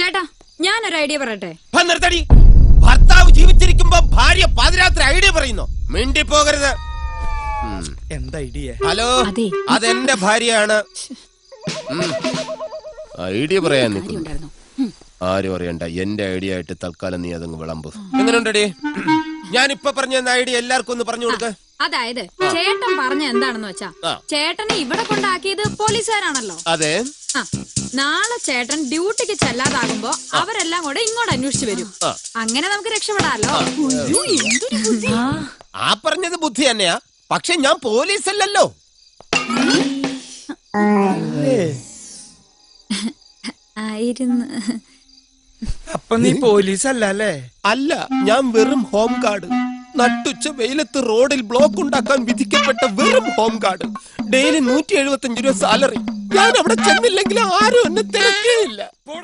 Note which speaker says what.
Speaker 1: ചേട്ടാ ഞാനൊരു ഐഡിയ പറയട്ടെ.
Speaker 2: നിർത്തടി. ഭർത്താവ് ജീവിച്ചിരിക്കുമ്പോ ഭാര്യ പാതിരാത്രി ഐഡിയ പറയുന്നു. മിണ്ടി പോകരുത്.
Speaker 3: എന്താ ഐഡിയ?
Speaker 2: ഹലോ, അതെന്റെ ഭാര്യയാണ്. ഐഡിയ പറയാൻ നിൽക്കുന്നു. ആരും അറിയണ്ട, എന്റെ ഐഡിയ ആയിട്ട് തൽക്കാലം നീ അതങ്ങ് വിളമ്പ്. എങ്ങനെയുണ്ടടി? ഞാനിപ്പൊ പറഞ്ഞ ഐഡിയ എല്ലാവർക്കും ഒന്ന് പറഞ്ഞു കൊടുക്ക.
Speaker 1: അതായത് ചേട്ടൻ പറഞ്ഞ എന്താണെന്ന് വെച്ചാ, ചേട്ടനെ ഇവിടെ കൊണ്ടാക്കിയത് പോലീസുകാരാണല്ലോ.
Speaker 2: അതെ.
Speaker 1: നാളെ ചേട്ടൻ ഡ്യൂട്ടിക്ക് ചെല്ലാതാകുമ്പോ അവരെല്ലാം കൂടെ ഇങ്ങോട്ട് അന്വേഷിച്ചു വരും. അങ്ങനെ നമുക്ക് രക്ഷപ്പെടാലോ.
Speaker 2: ആ പറഞ്ഞത് ബുദ്ധി തന്നെയാ, പക്ഷെ ഞാൻ പോലീസ് അല്ലല്ലോ.
Speaker 1: ആയിരുന്നു.
Speaker 3: അപ്പൊ നീ പോലീസ് അല്ലേ?
Speaker 2: അല്ല, ഞാൻ വെറും ഹോം ഗാർഡ്. നട്ടുച്ച വെയിലത്ത് റോഡിൽ ബ്ലോക്ക് ഉണ്ടാക്കാൻ വിധിക്കപ്പെട്ട വെറും ഹോം ഗാർഡ്. ഡെയിലി 175 രൂപ സാലറി. ഞാൻ അവിടെ ചെന്നില്ലെങ്കിൽ ആരും എന്നെ തിരക്കേയില്ല.